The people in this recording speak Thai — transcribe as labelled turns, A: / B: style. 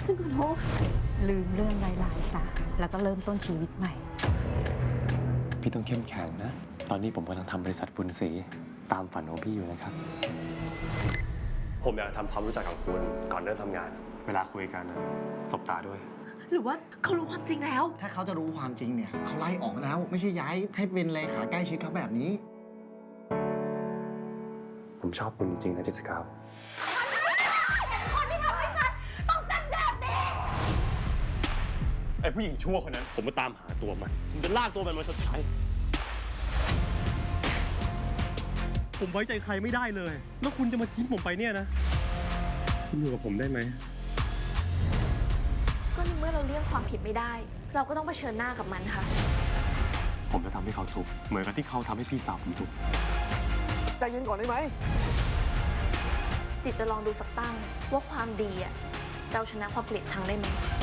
A: ฉันขอโทษลืมเรื่องร้ายๆซะแล้วก็เริ่มต้นชีวิตใหม่
B: พี่ต้องเข้มแข็งนะ ตอนนี้ผมกำลังทำบริษัทบุญศรีตามฝันของพี่อยู่นะครับ ผมอยากทำความรู้จักกับคุณก่อนเริ่มทำงาน เวลาคุยกันนะสบตาด้วย
C: หรือว่าเขารู้ความจริงแล้ว
D: ถ้าเขาจะรู้ความจริงเนี่ยเขาไล่ออกแล้ว ไม่ใช่ย้ายให้เป็นเลขาใกล้ชิดเขาแบบนี้
B: ผมชอบคุณจริงๆนะเจสสิก้า
C: คนที่ทำให้ฉันต้องเป็นแบบนี้
B: ไอ้ผู้หญิงชั่วคนนั้น ผมมาตามหาตัวมัน ผมจะลากตัวมันมาชดใช้ ผมไว้ใจใครไม่ได้เลย แล้วคุณจะมาทิ้งผมไปเนี่ยนะ คุณอยู่กับผมได้ไหม
C: ก็ในเมื่อเราเลี่ยงความผิดไม่ได้ เราก็ต้องเผชิญหน้ากับมันค่ะ
B: ผมจะทำให้เขาทุกข์เหมือนกับที่เขาทำให้พี่สาวผมทุกข์
E: ใจเย็นก่อนได้ไหม
C: จิตจะลองดูสักตั้งว่าความดีอะจะเอาชนะความเกลียดชังได้ไหม